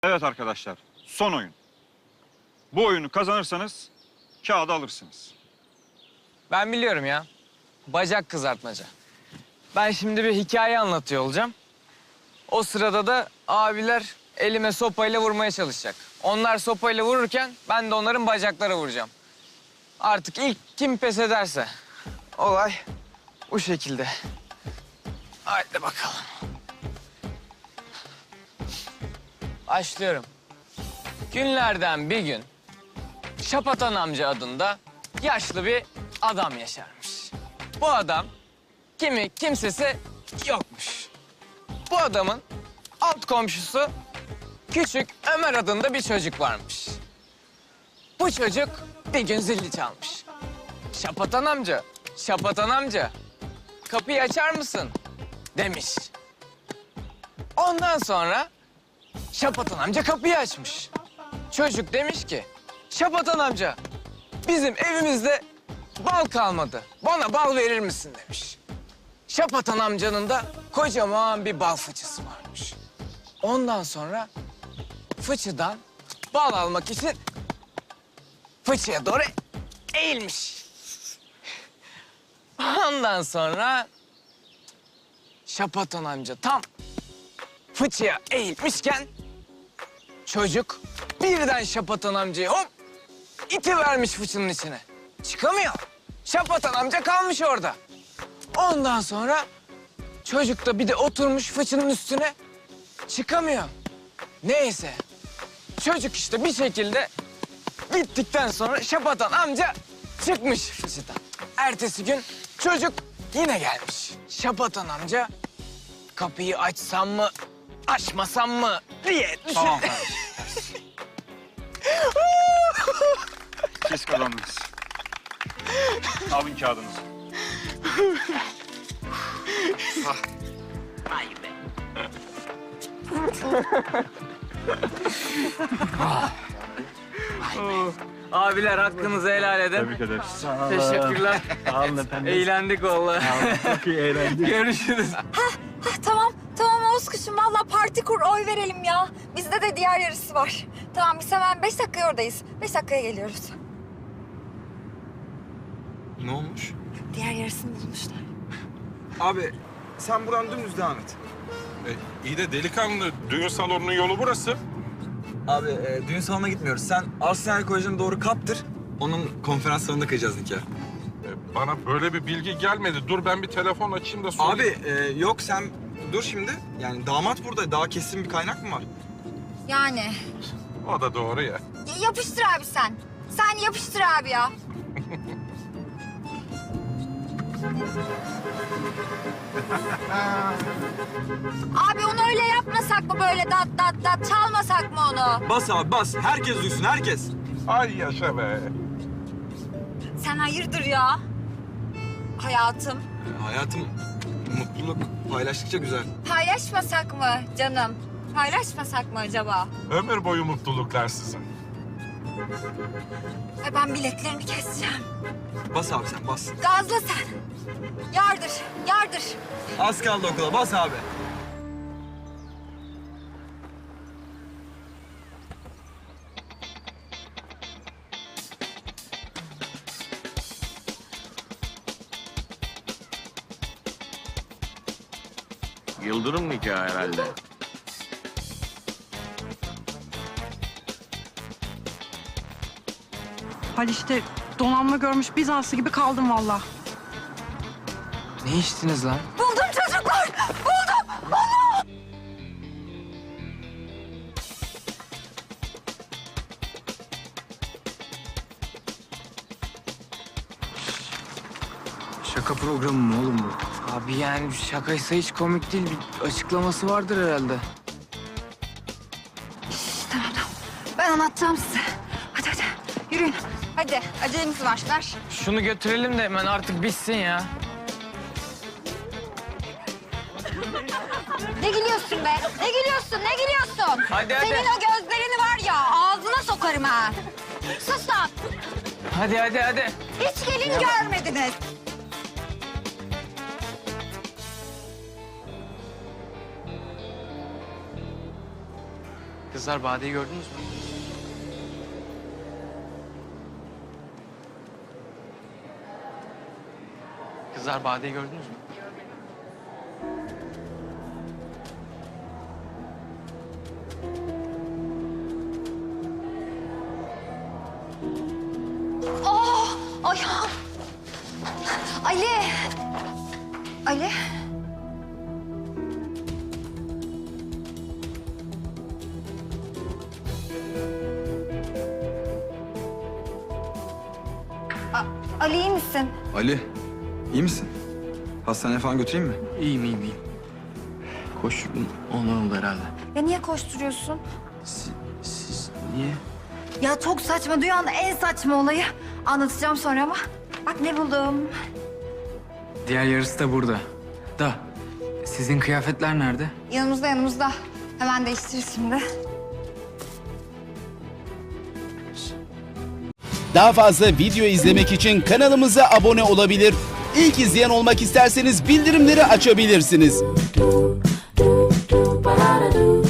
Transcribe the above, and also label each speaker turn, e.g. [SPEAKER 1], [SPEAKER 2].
[SPEAKER 1] Evet arkadaşlar, son oyun. Bu oyunu kazanırsanız kağıdı alırsınız.
[SPEAKER 2] Ben biliyorum ya. Bacak kızartmaca. Ben şimdi bir hikaye anlatıyor olacağım. O sırada da abiler elime sopayla vurmaya çalışacak. Onlar sopayla vururken ben de onların bacaklara vuracağım. Artık ilk kim pes ederse. Olay bu şekilde. Haydi bakalım. Başlıyorum. Günlerden bir gün Şapatan amca adında yaşlı bir adam yaşarmış. Bu adam kimsesi yokmuş. Bu adamın alt komşusu küçük Ömer adında bir çocuk varmış. Bu çocuk bir gün zilli çalmış. Şapatan amca, kapıyı açar mısın? Demiş. Ondan sonra Şapatan amca kapıyı açmış. Çocuk demiş ki, Şapatan amca, bizim evimizde bal kalmadı. Bana bal verir misin demiş. Şapatan amcanın da kocaman bir bal fıçısı varmış. Ondan sonra fıçıdan bal almak için fıçıya doğru eğilmiş. Ondan sonra Şapatan amca tam fıçıya eğilmişken çocuk birden Şapatan amcayı hop itivermiş fıçının içine. Çıkamıyor. Şapatan amca kalmış orada. Ondan sonra çocuk da bir de oturmuş fıçının üstüne çıkamıyor. Neyse çocuk işte bir şekilde gittikten sonra Şapatan amca çıkmış fıçıdan. Ertesi gün çocuk yine gelmiş. Şapatan amca kapıyı açsam mı açmasam mı diye düşün.
[SPEAKER 1] Tamam kardeşim. Siz kazandınız. Alın kağıdınızı.
[SPEAKER 3] Vay be.
[SPEAKER 2] Abiler hakkınızı helal edin.
[SPEAKER 1] Tebrik ederiz.
[SPEAKER 2] Teşekkürler.
[SPEAKER 4] Sağ olun efendim.
[SPEAKER 2] Eğlendik vallahi.
[SPEAKER 4] Çok iyi eğlendik.
[SPEAKER 2] Görüşürüz.
[SPEAKER 5] Tamam Oğuz kuşum. Vallahi parti kur, oy verelim ya. Bizde de diğer yarısı var. Tamam, biz hemen 5 dakikaya oradayız. 5 dakikaya geliyoruz.
[SPEAKER 6] Ne olmuş?
[SPEAKER 5] Diğer yarısını bulmuşlar.
[SPEAKER 6] Abi sen buradan dümdüz devam et.
[SPEAKER 7] İyi de delikanlı, düğün salonunun yolu burası.
[SPEAKER 6] Abi düğün salonuna gitmiyoruz. Sen Arsenal Koleji'ne doğru kaptır. Onun konferans salonunda kıyacağız nikah.
[SPEAKER 7] Bana böyle bir bilgi gelmedi. Dur ben bir telefon açayım da sorayım.
[SPEAKER 6] Abi yok sen dur şimdi. Yani damat burada. Daha kesin bir kaynak mı var?
[SPEAKER 5] Yani
[SPEAKER 7] O da doğru ya.
[SPEAKER 5] yapıştır abi sen. Sen yapıştır abi ya. Abi onu öyle yapmasak mı, böyle dat dat dat çalmasak mı onu?
[SPEAKER 6] Bas abi bas. Herkes duysun herkes.
[SPEAKER 7] Ay yaşa be.
[SPEAKER 5] Sen hayırdır ya? Hayatım.
[SPEAKER 6] Hayatım mutluluk paylaştıkça güzel.
[SPEAKER 5] Paylaşmasak mı canım? Paylaşmasak mı acaba?
[SPEAKER 7] Ömür boyu mutluluklar size.
[SPEAKER 5] Ay ben bileklerini keseceğim.
[SPEAKER 6] Bas abi sen bas.
[SPEAKER 5] Gazla sen. Yardır, yardır.
[SPEAKER 6] Az kaldı okula bas abi.
[SPEAKER 3] Yıldırım nikahı herhalde.
[SPEAKER 8] Haliç'te donanma görmüş Bizanslı gibi kaldım vallahi.
[SPEAKER 2] Ne içtiniz lan?
[SPEAKER 5] Buldum çocuklar, buldum.
[SPEAKER 2] Şaka programı mı oğlum bu? Abi yani şakaysa hiç komik değil. Bir açıklaması vardır herhalde.
[SPEAKER 5] Tamam. Ben anlatacağım size. Hadi yürüyün. Hadi acelemiz var. Ver.
[SPEAKER 2] Şunu götürelim de hemen artık bitsin ya.
[SPEAKER 5] Ne gülüyorsun be? Ne gülüyorsun?
[SPEAKER 2] Hadi.
[SPEAKER 5] Senin o gözlerini var ya, ağzına sokarım ha. Sus lan.
[SPEAKER 2] Hadi.
[SPEAKER 5] Hiç gelin görmediniz.
[SPEAKER 2] Kız Kızlar Bade'yi gördünüz mü? Kızlar Bade'yi gördünüz mü?
[SPEAKER 5] Ayağım. Ali. Ali. Ali iyi misin?
[SPEAKER 6] Ali, iyi misin? Hastaneye falan götüreyim mi?
[SPEAKER 2] İyiyim. Koşun ondan oldu herhalde.
[SPEAKER 5] Ya niye koşturuyorsun?
[SPEAKER 2] Siz niye?
[SPEAKER 5] Ya çok saçma. Dünyanın en saçma olayı. Anlatacağım sonra ama. Bak ne buldum.
[SPEAKER 2] Diğer yarısı da burada. Da sizin kıyafetler nerede?
[SPEAKER 5] Yanımızda. Hemen değiştir şimdi.
[SPEAKER 9] Daha fazla video izlemek için kanalımıza abone olabilir. İlk izleyen olmak isterseniz bildirimleri açabilirsiniz.